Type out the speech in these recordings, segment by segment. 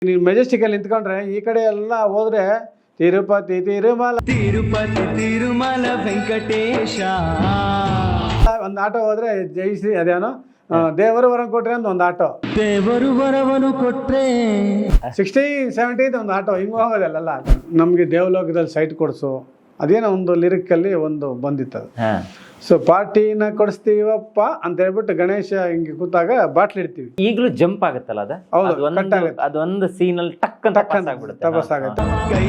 ನೀವು ಮೆಜೆಸ್ಟಿಕಲ್ಲಿ ನಿಂತ್ಕೊಂಡ್ರೆ ಈ ಕಡೆ ಎಲ್ಲ ಹೋದ್ರೆ ತಿರುಪತಿ ತಿರುಮಲ ವೆಂಕಟೇಶ, ಒಂದು ಆಟೋ ಹೋದ್ರೆ ಜೈಶ್ರೀ ಅದೇನೋ ದೇವರು ವರ ಕೊಟ್ರೆ ಅಂತ ಒಂದು ಆಟೋ, ದೇವರು ವರವನು ಕೊಟ್ರೆ 16-17 ಒಂದು ಆಟೋ ಹಿಂಗೆ ಹೋಗೋದಲ್ಲ. ನಮಗೆ ದೇವಲೋಕದಲ್ಲಿ ಸೈಟ್ ಕೊಡಿಸು ಅದೇನೋ ಒಂದು ಲಿರಿಕಲ್ಲಿ ಒಂದು ಬಂದಿತ್ತು. ಸೊ ಪಾರ್ಟಿನ ಕೊಡಿಸ್ತೀವಪ್ಪ ಅಂತ ಹೇಳ್ಬಿಟ್ಟು ಗಣೇಶ ಹಿಂಗೆ ಕೂತಾಗ ಬಾಟ್ಲಿ ಇಡ್ತೀವಿ. ಈಗಲೂ ಜಂಪ್ ಆಗುತ್ತಲ್ಲ ಅದೊಂದು ಸೀನ್ ಅಲ್ಲಿ ಟಕ್ ಅಂತ ತಪಸ್ ಆಗುತ್ತೆ.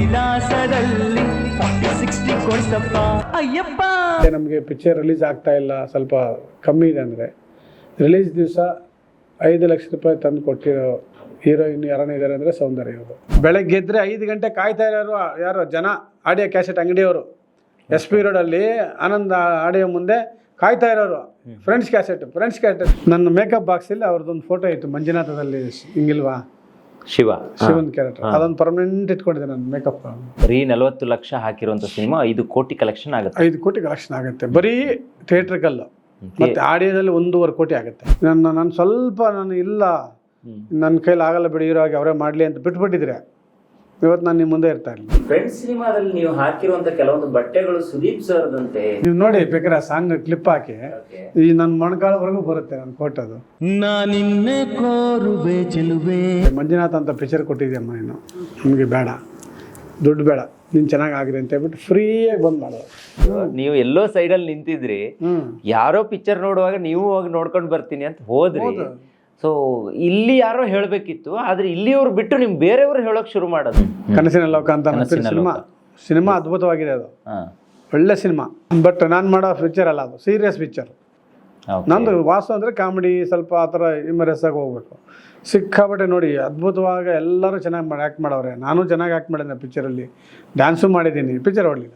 ನಮಗೆ ಪಿಕ್ಚರ್ ರಿಲೀಸ್ ಆಗ್ತಾ ಇಲ್ಲ, ಸ್ವಲ್ಪ ಕಮ್ಮಿ ಇದೆ ಅಂದ್ರೆ ರಿಲೀಸ್ ದಿವಸ 5 ಲಕ್ಷ ರೂಪಾಯಿ ತಂದು ಕೊಟ್ಟಿರೋ ಹೀರೋಯಿನ್ ಯಾರನ್ನ ಇದ್ದಾರೆ ಅಂದರೆ ಸೌಂದರ್ಯ ಅವರು. ಬೆಳಗ್ಗೆ ಎದ್ರೆ 5 ಗಂಟೆ ಕಾಯ್ತಾ ಇರೋರು ಯಾರು ಜನ, ಆಡಿಯೋ ಕ್ಯಾಸೆಟ್ ಅಂಗಡಿಯವರು SP ರೋಡಲ್ಲಿ ಆನಂದ ಆಡಿಯೋ ಮುಂದೆ ಕಾಯ್ತಾ ಇರೋರು. ಫ್ರೆಂಡ್ಸ್ ಕ್ಯಾಸೆಟ್ ನನ್ನ ಮೇಕಪ್ ಬಾಕ್ಸಲ್ಲಿ ಅವ್ರದ್ದೊಂದು ಫೋಟೋ ಇತ್ತು, ಮಂಜುನಾಥದಲ್ಲಿ ಹಿಂಗಿಲ್ವಾ ಶಿವನ್ ಕ್ಯಾರೆಕ್ಟರ್, ಅದೊಂದು ಪರ್ಮನೆಂಟ್ ಇಟ್ಕೊಂಡಿದ್ದೆ ನನ್ನ ಮೇಕಪ್. ಬರೀ 40 ಲಕ್ಷ ಹಾಕಿರುವಂತ ಸಿನಿಮಾ 5 ಕೋಟಿ ಕಲೆಕ್ಷನ್ ಆಗುತ್ತೆ. 5 ಕೋಟಿ ಕಲೆಕ್ಷನ್ ಆಗುತ್ತೆ ಬರೀ ಥಿಯೇಟ್ರಿಕಲ್ಲು. ಮತ್ತೆ ಆಡಿಯೋದಲ್ಲಿ 1.5 ಕೋಟಿ ಆಗುತ್ತೆ. ನಾನು ಸ್ವಲ್ಪ ಇಲ್ಲ ನನ್ನ ಕೈಲಿ ಆಗಲ್ಲ ಬಿಡಿ, ಹೀರೋ ಆಗಿ ಅವರೇ ಮಾಡಲಿ ಅಂತ ಬಿಟ್ಬಿಟ್ಟಿದ್ರೆ ಇವತ್ತು ನಾನು ನಿಮ್ಮ ಮುಂದೆ ಇರ್ತಾ ಇರಲಿಲ್ಲ. ಫ್ರೆಂಡ್ಸ್ ಸಿನಿಮಾದಲ್ಲಿ ನೀವು ಹಾಕಿರುವಂತ ಕೆಲವೊಂದು ಬಟ್ಟೆಗಳು ಸುದೀಪ್ ಸರ್ದಂತೆ, ನೀವು ನೋಡಿ ಬೇಕಾದ್ರೆ ಸಾಂಗ್ ಕ್ಲಿಪ್ ಹಾಕಿ ಈ ನನ್ನ ಮೊಣಕಾಲವರೆಗೂ ಬರುತ್ತೆ ನನ್ನ ಫೋಟೋದು. ನಾನಿನ್ನೆ ಕೋರುವೆ ಚೆಲುವೆ ಮಂಜುನಾಥ್ ಅಂತ ಪಿಕ್ಚರ್ ಕೊಟ್ಟಿದ್ಯಮ್ಮ, ನೀನು ನಮಗೆ ಬೇಡ ದುಡ್ಡು ಬೇಡ, ನೀನು ಚೆನ್ನಾಗಿ ಆಗಿದೆ ಅಂತ ಹೇಳ್ಬಿಟ್ಟು ಫ್ರೀಯಾಗಿ ಬಂದ್ ಮಾಡೋದು. ನೀವು ಎಲ್ಲೋ ಸೈಡಲ್ಲಿ ನಿಂತಿದ್ರಿ, ಯಾರೋ ಪಿಕ್ಚರ್ ನೋಡುವಾಗ ನೀವು ಹೋಗಿ ನೋಡ್ಕೊಂಡು ಬರ್ತೀನಿ ಅಂತ ಹೋದ್ರಿ. ಸೊ ಇಲ್ಲಿ ಯಾರೋ ಹೇಳ್ಬೇಕಿತ್ತು, ಆದ್ರೆ ಇಲ್ಲಿಯವ್ರು ಬಿಟ್ಟು ನಿಮ್ ಬೇರೆಯವ್ರು ಹೇಳೋಕ್ ಶುರು ಮಾಡೋದು. ಕನಸಿನ ಲೋಕ ಅಂತ ಸಿನಿಮಾ ಅದ್ಭುತವಾಗಿದೆ, ಅದು ಒಳ್ಳೆ ಸಿನಿಮಾ. ಬಟ್ ನಾನು ಮಾಡೋ ಪಿಕ್ಚರ್ ಅಲ್ಲ, ಅದು ಸೀರಿಯಸ್ ಪಿಕ್ಚರ್. ನಂದು ವಾಸು ಅಂದ್ರೆ ಕಾಮಿಡಿ, ಸ್ವಲ್ಪ ಆ ಥರ ಇಮರೆಸ್ ಆಗಿ ಹೋಗ್ಬೇಕು. ಸಿಕ್ಕಾಬಟ್ಟೆ ನೋಡಿ ಅದ್ಭುತವಾಗಿ ಎಲ್ಲರೂ ಚೆನ್ನಾಗಿ ಆ್ಯಕ್ಟ್ ಮಾಡವ್ರೆ. ನಾನು ಚೆನ್ನಾಗಿ ಆ್ಯಕ್ಟ್ ಮಾಡಿದ್ದೆ ಪಿಕ್ಚರಲ್ಲಿ, ಡ್ಯಾನ್ಸು ಮಾಡಿದ್ದೀನಿ. ಪಿಕ್ಚರ್ ಹೊಡಲಿಲ್ಲ.